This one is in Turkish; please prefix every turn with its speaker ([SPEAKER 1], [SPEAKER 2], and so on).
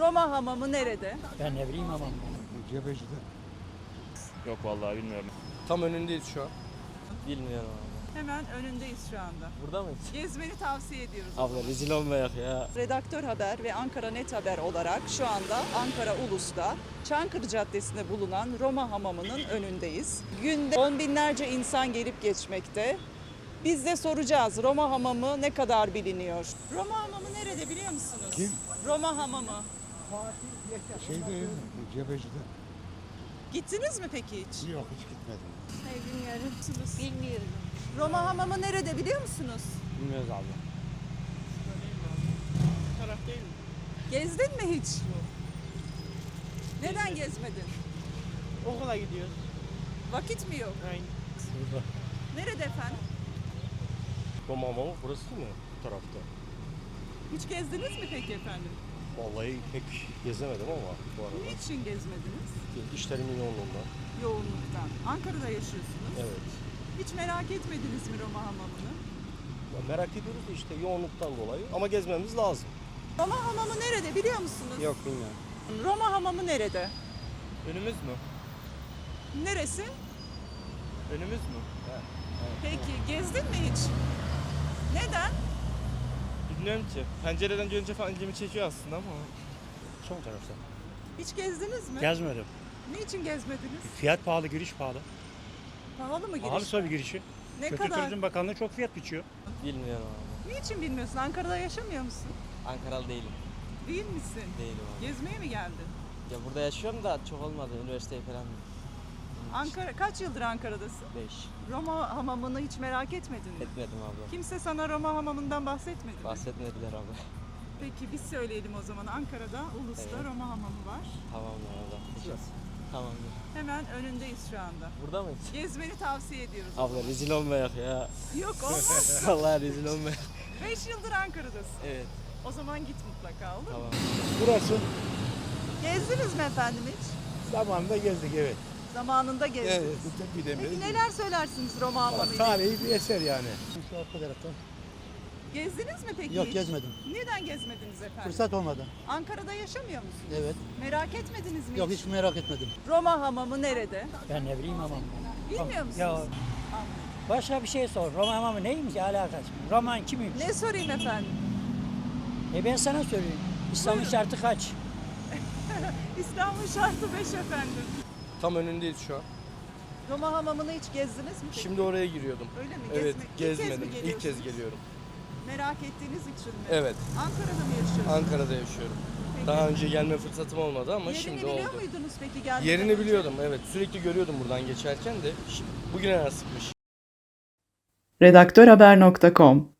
[SPEAKER 1] Roma Hamamı nerede?
[SPEAKER 2] Ben ne bileyim ama.
[SPEAKER 3] Cebeci'de.
[SPEAKER 4] Yok vallahi bilmiyorum.
[SPEAKER 5] Tam önündeyiz şu an.
[SPEAKER 6] Bilmiyorum abi.
[SPEAKER 1] Hemen önündeyiz şu anda.
[SPEAKER 6] Burada mıyız?
[SPEAKER 1] Gezmeni tavsiye ediyoruz.
[SPEAKER 6] Abla rezil olmayak ya.
[SPEAKER 1] Redaktör Haber ve Ankara Net Haber olarak şu anda Ankara Ulus'ta Çankırı Caddesi'nde bulunan Roma Hamamı'nın önündeyiz. Günde on binlerce insan gelip geçmekte. Biz de soracağız Roma Hamamı ne kadar biliniyor? Roma Hamamı nerede biliyor musunuz?
[SPEAKER 3] Kim?
[SPEAKER 1] Roma Hamamı.
[SPEAKER 3] Şeyde, Cebeci'de.
[SPEAKER 1] Gittiniz mi peki hiç?
[SPEAKER 3] Yok, hiç gitmedim.
[SPEAKER 1] Bilmiyorum.
[SPEAKER 7] Bilmiyorum.
[SPEAKER 1] Roma Hamamı nerede biliyor musunuz?
[SPEAKER 6] Bilmiyoruz abla.
[SPEAKER 4] Taraf değil mi?
[SPEAKER 1] Gezdin mi hiç? Neden gezmedin?
[SPEAKER 4] Okula gidiyoruz.
[SPEAKER 1] Vakit mi yok?
[SPEAKER 4] Aynen.
[SPEAKER 1] Nerede efendim?
[SPEAKER 5] Roma Hamamı burası değil mi? Bu tarafta.
[SPEAKER 1] Hiç gezdiniz mi peki efendim?
[SPEAKER 5] Vallahi pek gezemedim ama bu arada.
[SPEAKER 1] Niçin gezmediniz?
[SPEAKER 5] İşlerimin yoğunluğundan.
[SPEAKER 1] Yoğunluktan. Ankara'da yaşıyorsunuz.
[SPEAKER 5] Evet.
[SPEAKER 1] Hiç merak etmediniz mi Roma Hamamı'nı?
[SPEAKER 5] Ya merak ediyoruz da işte yoğunluktan dolayı ama gezmemiz lazım.
[SPEAKER 1] Roma Hamamı nerede biliyor musunuz?
[SPEAKER 6] Yok bilmiyorum.
[SPEAKER 1] Roma Hamamı nerede?
[SPEAKER 4] Önümüz mü?
[SPEAKER 1] Neresi?
[SPEAKER 4] Önümüz mü?
[SPEAKER 1] Peki gezdin mi hiç? Neden?
[SPEAKER 4] Bilmiyorum ki. Pencereden görünce falan ilgimi çekiyor aslında ama.
[SPEAKER 3] Son tarafta.
[SPEAKER 1] Hiç gezdiniz mi?
[SPEAKER 2] Gezmedim.
[SPEAKER 1] Niçin gezmediniz?
[SPEAKER 2] Fiyat pahalı, giriş pahalı.
[SPEAKER 1] Pahalı mı giriş?
[SPEAKER 2] Pahalı tabii girişi.
[SPEAKER 1] Ne
[SPEAKER 2] Kültür
[SPEAKER 1] kadar?
[SPEAKER 2] Turizm Bakanlığı çok fiyat biçiyor.
[SPEAKER 6] Bilmiyorum abi.
[SPEAKER 1] Niçin bilmiyorsun? Ankara'da yaşamıyor musun?
[SPEAKER 6] Ankaralı değilim.
[SPEAKER 1] Değil misin?
[SPEAKER 6] Değilim abi.
[SPEAKER 1] Gezmeye mi geldin?
[SPEAKER 6] Ya burada yaşıyorum da çok olmadı. Üniversiteye falan.
[SPEAKER 1] Ankara kaç yıldır Ankara'dasın?
[SPEAKER 6] 5.
[SPEAKER 1] Roma Hamamı'nı hiç merak etmedin mi?
[SPEAKER 6] Etmedim abla.
[SPEAKER 1] Kimse sana Roma Hamamı'ndan bahsetmedi mi?
[SPEAKER 6] Bahsetmediler abla.
[SPEAKER 1] Peki biz söyleyelim o zaman. Ankara'da, Ulus'ta
[SPEAKER 6] Evet.
[SPEAKER 1] Roma Hamamı var.
[SPEAKER 6] Tamamdır abla. Tamamdır.
[SPEAKER 1] Hemen önündeyiz şu anda.
[SPEAKER 6] Burada mıyız?
[SPEAKER 1] Gezmeni tavsiye ediyoruz.
[SPEAKER 6] Abla rezil olmayak ya.
[SPEAKER 1] Yok olmaz.
[SPEAKER 6] Vallahi rezil olmayak.
[SPEAKER 1] 5 yıldır Ankara'dasın.
[SPEAKER 6] Evet.
[SPEAKER 1] O zaman git mutlaka olur mu?
[SPEAKER 6] Tamam.
[SPEAKER 3] Burası
[SPEAKER 1] Gezdiniz mi efendim hiç?
[SPEAKER 3] zamanında gezdik, evet.
[SPEAKER 1] Zamanında gezdiniz.
[SPEAKER 3] Evet, bir
[SPEAKER 1] Peki
[SPEAKER 3] demir.
[SPEAKER 1] neler söylersiniz Roma Hamamı ile?
[SPEAKER 3] Tarihi bir eser yani. Şu arka taraftan.
[SPEAKER 1] Gezdiniz mi peki
[SPEAKER 3] Yok,
[SPEAKER 1] hiç?
[SPEAKER 3] gezmedim.
[SPEAKER 1] Neden gezmediniz efendim?
[SPEAKER 3] Fırsat olmadı.
[SPEAKER 1] Ankara'da yaşamıyor musunuz?
[SPEAKER 3] Evet.
[SPEAKER 1] Merak etmediniz mi
[SPEAKER 3] Yok, hiç merak etmedim.
[SPEAKER 1] Roma Hamamı nerede?
[SPEAKER 2] Ben ne bileyim ama.
[SPEAKER 1] Bilmiyor musunuz?
[SPEAKER 2] Ya başka bir şey sor. Roma Hamamı neymiş alakası? Roman kimmiş?
[SPEAKER 1] Ne sorayım efendim?
[SPEAKER 2] Ben sana söyleyeyim. İslam'ın şartı kaç?
[SPEAKER 1] İstanbul şartı 5 efendim.
[SPEAKER 5] Tam önündeyiz şu an.
[SPEAKER 1] Roma Hamamı'nı hiç gezdiniz mi peki?
[SPEAKER 5] Şimdi oraya giriyordum.
[SPEAKER 1] Öyle mi?
[SPEAKER 5] Evet,
[SPEAKER 1] İlk kez mi
[SPEAKER 5] gezmedim. İlk kez
[SPEAKER 1] geliyorsunuz?
[SPEAKER 5] geliyorum.
[SPEAKER 1] Merak ettiğiniz için mi?
[SPEAKER 5] Evet,
[SPEAKER 1] Ankara'da mı yaşıyorsunuz?
[SPEAKER 5] Ankara'da yaşıyorum.
[SPEAKER 1] Peki.
[SPEAKER 5] Daha önce gelme fırsatım olmadı ama
[SPEAKER 1] Yerini
[SPEAKER 5] şimdi
[SPEAKER 1] biliyor
[SPEAKER 5] oldu.
[SPEAKER 1] muydunuz peki geldiğinizden
[SPEAKER 5] Yerini
[SPEAKER 1] önce?
[SPEAKER 5] biliyordum, evet. Sürekli görüyordum buradan geçerken de bugüne nasipmiş.
[SPEAKER 8] Redaktörhaber.com